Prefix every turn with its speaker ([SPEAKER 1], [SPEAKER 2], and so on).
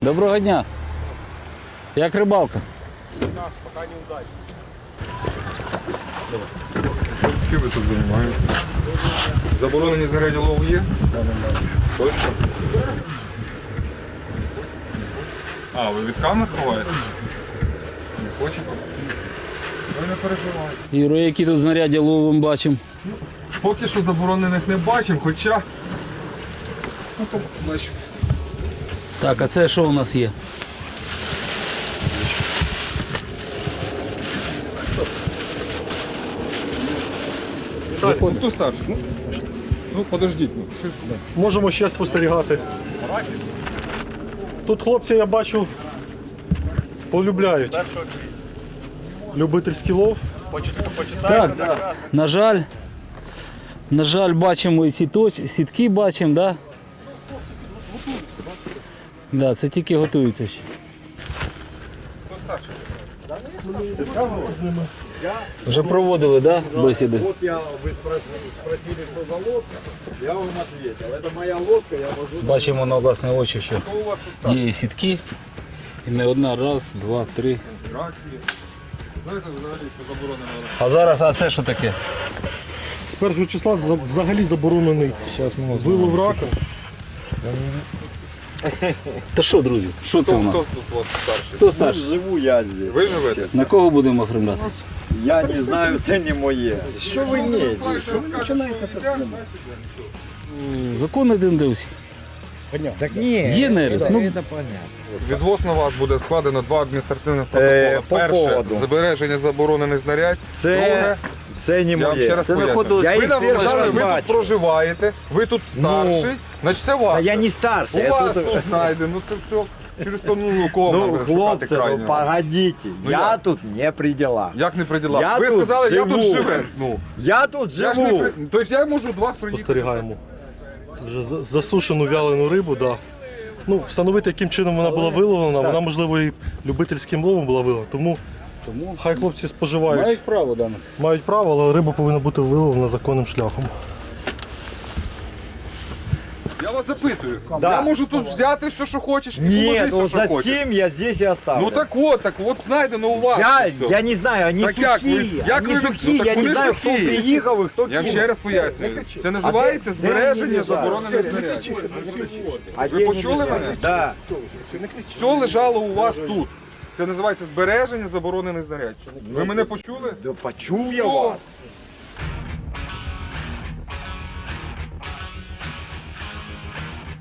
[SPEAKER 1] Доброго дня. Як рибалка?
[SPEAKER 2] Пока не удачно.
[SPEAKER 3] Чим ви тут займаєтесь? Заборонені знаряддя лову є? Точно? А, ви від камер ховаєте? Не хочете? Ви не переживайте.
[SPEAKER 1] Юро, які тут знаряддя лову ми бачимо?
[SPEAKER 3] Поки що заборонених не бачимо, хоча... Ну, це бачимо.
[SPEAKER 1] Так, а це що у нас є?
[SPEAKER 3] Ну, хто старший? Ну, подождіть. Ну, щось...
[SPEAKER 2] Можемо ще спостерігати. Тут хлопці, я бачу, полюбляють любительський лов.
[SPEAKER 1] Так, на жаль, бачимо і сітки бачимо, да? Да, це тільки готуються ще. Вже проводили, да, бесіди?
[SPEAKER 4] Вот вы спросили, что за лодка, я вам ответил. Это моя лодка, я вожу.
[SPEAKER 1] Бачимо на власне очі, що є і сітки. І не одна, раз, два, три.
[SPEAKER 3] Раки. Знаєте взагалі, що заборонено?
[SPEAKER 1] А зараз, а це що таке?
[SPEAKER 2] З 1 числа взагалі заборонений вилов рака.
[SPEAKER 1] Та що, друзі, що це у нас?
[SPEAKER 3] Хто тут у вас старший?
[SPEAKER 1] Хто старший?
[SPEAKER 4] Живу я здесь.
[SPEAKER 3] Ви живете?
[SPEAKER 1] На кого будемо оформляти?
[SPEAKER 4] Я не знаю, це не моє. Що ви не? Що ви починаєте тут знімати?
[SPEAKER 1] Закон один для усіх.
[SPEAKER 4] Так ні.
[SPEAKER 1] Є нерест. Ну,
[SPEAKER 4] Це понятно.
[SPEAKER 3] Відносно на вас буде складено 2 адміністративних протоколи.
[SPEAKER 4] По
[SPEAKER 3] Перше,
[SPEAKER 4] поводу.
[SPEAKER 3] збереження заборонених знарядь. Друге,
[SPEAKER 4] Це не
[SPEAKER 3] я вам ще
[SPEAKER 4] моє.
[SPEAKER 3] раз поясню.
[SPEAKER 4] Я
[SPEAKER 3] Ви
[SPEAKER 4] їх
[SPEAKER 3] нам
[SPEAKER 4] перший
[SPEAKER 3] сказали,
[SPEAKER 4] раз
[SPEAKER 3] ви тут
[SPEAKER 4] бачу.
[SPEAKER 3] проживаєте, ви тут старший, значить це
[SPEAKER 4] А
[SPEAKER 3] ваше.
[SPEAKER 4] я не старший.
[SPEAKER 3] У
[SPEAKER 4] Я
[SPEAKER 3] вас
[SPEAKER 4] тут...
[SPEAKER 3] тут знайдено, ну це все через то, ну, кого
[SPEAKER 4] Ну,
[SPEAKER 3] ви шукати
[SPEAKER 4] хлопці, ну
[SPEAKER 3] крайнього.
[SPEAKER 4] погодите.
[SPEAKER 3] Ну,
[SPEAKER 4] Я
[SPEAKER 3] як?
[SPEAKER 4] тут не при делах.
[SPEAKER 3] Як не при ділах?
[SPEAKER 4] Я
[SPEAKER 3] Ви
[SPEAKER 4] тут
[SPEAKER 3] сказали, я тут
[SPEAKER 4] живу.
[SPEAKER 3] живу. Ну,
[SPEAKER 4] Я тут
[SPEAKER 3] я ж не
[SPEAKER 4] живу.
[SPEAKER 3] при... Тобто я можу до вас приїхати.
[SPEAKER 2] Спостерігаємо. Вже засушену вялену рибу, да. Ну, встановити, яким чином вона була виловлена, вона, можливо, і любительським ловом була виловлена. Тому хай хлопці споживають.
[SPEAKER 1] мають право, да, на це.
[SPEAKER 2] Мають право, але риба повинна бути виловлена законним шляхом.
[SPEAKER 3] Я вас запитую.
[SPEAKER 4] Да.
[SPEAKER 3] Я можу тут взяти все, що хочеш, і
[SPEAKER 4] Нет,
[SPEAKER 3] положи
[SPEAKER 4] вот
[SPEAKER 3] все, що хочеш.
[SPEAKER 4] затем я здесь и оставлю.
[SPEAKER 3] Ну так от знайдено у вас. все.
[SPEAKER 4] Я не знаю, они
[SPEAKER 3] Так як ви-
[SPEAKER 4] сухие,
[SPEAKER 3] як
[SPEAKER 4] они
[SPEAKER 3] ви-
[SPEAKER 4] сухие,
[SPEAKER 3] ну, так
[SPEAKER 4] я не
[SPEAKER 3] вони
[SPEAKER 4] знаю, кто
[SPEAKER 3] сухі.
[SPEAKER 4] приехал и кто
[SPEAKER 3] Я вам
[SPEAKER 4] кинул.
[SPEAKER 3] ще раз пояснюю. Це називається
[SPEAKER 4] де
[SPEAKER 3] збереження
[SPEAKER 4] вони
[SPEAKER 3] заборонених
[SPEAKER 4] лежать?
[SPEAKER 3] знарядь.
[SPEAKER 4] А
[SPEAKER 3] Ви
[SPEAKER 4] где
[SPEAKER 3] почули
[SPEAKER 4] они лежат?
[SPEAKER 3] мене?
[SPEAKER 4] Да.
[SPEAKER 3] Все лежало у вас тут. Це називається збереження заборонених знарядь. Ви мене почули?
[SPEAKER 4] Да почув я
[SPEAKER 3] О,
[SPEAKER 4] вас.